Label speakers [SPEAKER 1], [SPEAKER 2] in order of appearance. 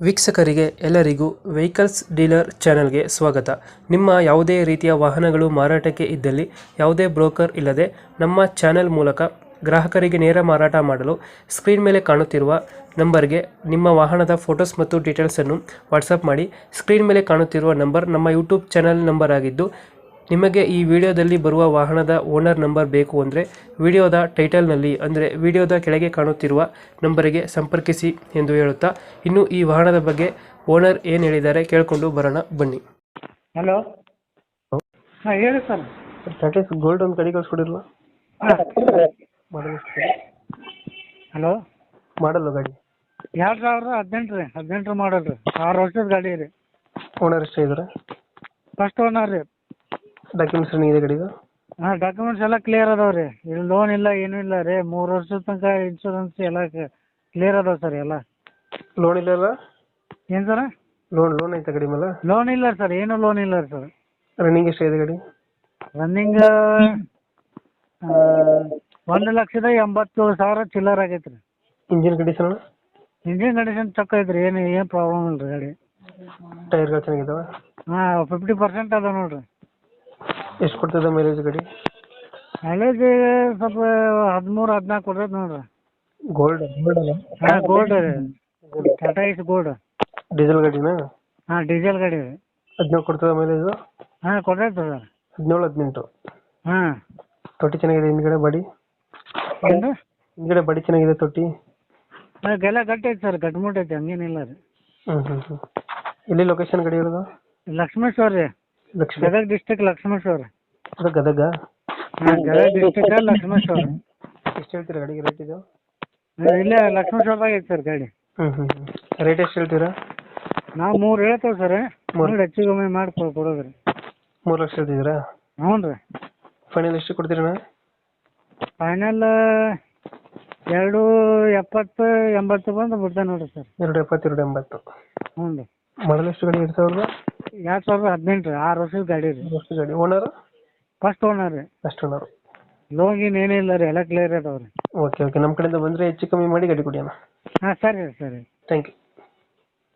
[SPEAKER 1] ವೀಕ್ಷಕರಿಗೆ ಎಲ್ಲರಿಗೂ vehicles dealer ಚಾನೆಲ್ಗೆ ಸ್ವಾಗತ. ನಿಮ್ಮ ಯಾವುದೇ ರೀತಿಯ ವಾಹನಗಳು ಮಾರಾಟಕ್ಕೆ ಇದ್ದಲ್ಲಿ ಯಾವುದೇ ಬ್ರೋಕರ್ ಇಲ್ಲದೆ ನಮ್ಮ ಚಾನೆಲ್ ಮೂಲಕ ಗ್ರಾಹಕರಿಗೆ ನೇರ ಮಾರಾಟ ಮಾಡಲು ಸ್ಕ್ರೀನ್ ಮೇಲೆ ಕಾಣುತ್ತಿರುವ ನಂಬರ್ಗೆ ನಿಮ್ಮ ವಾಹನದ ಫೋಟೋಸ್ ಮತ್ತು ಡೀಟೇಲ್ಸನ್ನು ವಾಟ್ಸಪ್ ಮಾಡಿ. ಸ್ಕ್ರೀನ್ ಮೇಲೆ ಕಾಣುತ್ತಿರುವ ನಂಬರ್ ನಮ್ಮ ಯೂಟ್ಯೂಬ್ ಚಾನೆಲ್ ನಂಬರ್ ಆಗಿದ್ದು, ನಿಮಗೆ ಈ ವಿಡಿಯೋದಲ್ಲಿ ಬರುವ ವಾಹನದ ಓನರ್ ನಂಬರ್ ಬೇಕು ಅಂದರೆ ವಿಡಿಯೋದ ಟೈಟಲ್ನಲ್ಲಿ ಅಂದರೆ ವಿಡಿಯೋದ ಕೆಳಗೆ ಕಾಣುತ್ತಿರುವ ನಂಬರಿಗೆ ಸಂಪರ್ಕಿಸಿ ಎಂದು ಹೇಳುತ್ತಾ, ಇನ್ನು ಈ ವಾಹನದ ಬಗ್ಗೆ ಓನರ್ ಏನು ಹೇಳಿದ್ದಾರೆ ಕೇಳಿಕೊಂಡು ಬರೋಣ ಬನ್ನಿ.
[SPEAKER 2] ಹಲೋ, ಹಾಂ ಹೇಳಿ ಸರ್.
[SPEAKER 1] ಟಾಟಾ ಗೋಲ್ಡ್ ಒಂದು ಗಾಡಿ ಕಳಿಸ್ಕೊಡಿರಲ್ಲ,
[SPEAKER 2] ಹಲೋ,
[SPEAKER 1] ಮಾಡಲ್ಲ ಗಾಡಿ
[SPEAKER 2] 2018 ರೀ, 18 ಮಾಡಲ್ ರೀ, 6 ವರ್ಷದ ಗಾಡಿ ರೀ.
[SPEAKER 1] ಓನರ್ ಎಷ್ಟೇ ಇದ್ದಾರೆ?
[SPEAKER 2] ಫಸ್ಟ್ ಓನರ್ ರೀ.
[SPEAKER 1] ಡಾಕ್ಯುಮೆಂಟ್ಸ್ ರನ್ನಿಂಗ್ ಇದೆ ಗಾಡಿದು?
[SPEAKER 2] ಹಾಂ, ಡಾಕ್ಯುಮೆಂಟ್ಸ್ ಎಲ್ಲ ಕ್ಲಿಯರ್ ಅದಾವೆ ರೀ. ಇಲ್ಲಿ ಲೋನ್ ಇಲ್ಲ, ಏನೂ ಇಲ್ಲ ರೀ. 3 ವರ್ಷದ ತನಕ ಇನ್ಶೂರೆನ್ಸ್ ಎಲ್ಲ ಕ್ಲಿಯರ್ ಅದಾವೆ ಸರ್. ಎಲ್ಲ
[SPEAKER 1] ಲೋನ್ ಇಲ್ಲ ಅಲ್ಲ?
[SPEAKER 2] ಏನು ಸರ್?
[SPEAKER 1] ಲೋನ್ ಐತೆ ಗಾಡಿ ಮೇಲೆ?
[SPEAKER 2] ಲೋನ್ ಇಲ್ಲ ಸರ್, ಏನೂ ಲೋನ್ ಇಲ್ಲ ರೀ ಸರ್.
[SPEAKER 1] ರನ್ನಿಂಗ್ ಎಷ್ಟಿದೆ ಗಾಡಿ?
[SPEAKER 2] ರನ್ನಿಂಗ್ 1,80,000 ಚಿಲ್ಲರ್ ಆಗೈತೆ ರೀ.
[SPEAKER 1] Engine condition?
[SPEAKER 2] ಇಂಜಿನ್ ಕಂಡೀಷನ್ ಚೊಕ್ಕ ಐತೆ ರೀ, ಏನು ಪ್ರಾಬ್ಲಮ್ ಇಲ್ಲ ರೀ ಗಾಡಿ.
[SPEAKER 1] ಟೈರ್ಗಳು ಚೆನ್ನಾಗಿದ್ದಾವೆ?
[SPEAKER 2] ಹಾಂ, 50% ಅದ ನೋಡಿರಿ.
[SPEAKER 1] ಎಷ್ಟು ಕೊಡ್ತದೆ ಮೈಲೇಜ್ ಗಾಡಿ?
[SPEAKER 2] ಮೈಲೇಜ್ ಸ್ವಲ್ಪ 13-14 ಕೊಡ್ತೈತೆ ನೋಡ್ರಿ.
[SPEAKER 1] ಗೋಲ್ಡ್ ಅಲ್ಲ?
[SPEAKER 2] ಹಾಂ, ಗೋಲ್ಡ್ ರೀ, ಟಾಟಾ ಇಸ್ ಗೋಲ್ಡ್.
[SPEAKER 1] ಡೀಸೆಲ್ ಗಾಡಿನಾ?
[SPEAKER 2] ಹಾಂ, ಡೀಸೆಲ್ ಗಾಡಿ ರೀ.
[SPEAKER 1] 17 ಕೊಡ್ತದೆ ಮೈಲೇಜ್?
[SPEAKER 2] ಹಾಂ, ಕೊಡ್ತೈತೆ ಸರ್.
[SPEAKER 1] 17-18.
[SPEAKER 2] ಹಾಂ.
[SPEAKER 1] ತೊಟ್ಟಿ ಚೆನ್ನಾಗಿದೆ ಹಿಂದ್ಗಡೆ? ಬಾಡಿ
[SPEAKER 2] ಏನು?
[SPEAKER 1] ಹಿಂದ್ಗಡೆ ಬಾಡಿ ಚೆನ್ನಾಗಿದೆ ತೊಟ್ಟಿ?
[SPEAKER 2] ಎಲ್ಲ ಗಟ್ಟಿ ಐತೆ ಸರ್, ಗಟ್ಮುಟ್ ಐತೆ, ಹಂಗೇನಿಲ್ಲ ರೀ.
[SPEAKER 1] ಎಲ್ಲಿ ಲೊಕೇಶನ್ ಗಾಡಿ ಇರೋದು?
[SPEAKER 2] ಲಕ್ಷ್ಮೇಶ್ವರ ರೀ, ಗದಗ ಡಿಸ್ಟಿಕ್ ಲಕ್ಷ್ಮೇಶ್ವರ.
[SPEAKER 1] ಅದು ಗದಗ?
[SPEAKER 2] ಹಾಂ, ಗದಗ ಡಿಸ್ಟಿಕ್ ಲಕ್ಷ್ಮೇಶ್ವರ.
[SPEAKER 1] ಎಷ್ಟು ಹೇಳ್ತೀರಾ ಗಾಡಿಗೆ ರೇಟ್ ಇದು?
[SPEAKER 2] ಇಲ್ಲೇ ಲಕ್ಷ್ಮೇಶ್ವರದಾಗ ಐತೆ ಸರ್ ಗಾಡಿ.
[SPEAKER 1] ರೇಟ್ ಎಷ್ಟು ಹೇಳ್ತೀರಾ?
[SPEAKER 2] ನಾವು 3 ಹೇಳ್ತೇವೆ ಸರ್, ನೋಡಿ ಹೆಚ್ಚು ಕಮ್ಮಿ ಮಾಡಿ ಕೊಡೋದ್ರಿ.
[SPEAKER 1] 3 ಲಕ್ಷ ಹೇಳ್ತಿದ್ದೀರಾ?
[SPEAKER 2] ಹ್ಞೂ ರೀ.
[SPEAKER 1] ಫೈನಲ್ ಎಷ್ಟು ಕೊಡ್ತೀರಣ್ಣ?
[SPEAKER 2] ಫೈನಲ್ 270-80 ಬಂದು ಬಿಡ್ತೇನೆ ನೋಡಿರಿ ಸರ್.
[SPEAKER 1] 270, 280.
[SPEAKER 2] ಹ್ಞೂ ರೀ.
[SPEAKER 1] ಮಾಡಲ್ ಎಷ್ಟು ಗಾಡಿ? 2000?
[SPEAKER 2] 2018 ರೀ, 6 ವರ್ಷದ ಗಾಡಿ ರೀ.
[SPEAKER 1] ಎಷ್ಟು ಗಾಡಿ? ಓನರ್?
[SPEAKER 2] ಫಸ್ಟ್ ಓನರ್ ರೀ.
[SPEAKER 1] First owner.
[SPEAKER 2] ಲೋನ್ ಗೀನ್ ಏನಿಲ್ಲ ರೀ, ಎಲ್ಲ ಕ್ಲಿಯರ್ ಅದಾವೆ ರೀ.
[SPEAKER 1] ಓಕೆ, ನಮ್ಮ ಕಡೆಯಿಂದ ಬಂದರೆ ಹೆಚ್ಚು ಕಮ್ಮಿ ಮಾಡಿ ಗಾಡಿ ಕೊಡಿ ಅಣ್ಣ.
[SPEAKER 2] ಹಾಂ, ಸರಿ ರೀ, ಸರಿ.
[SPEAKER 1] Thank you.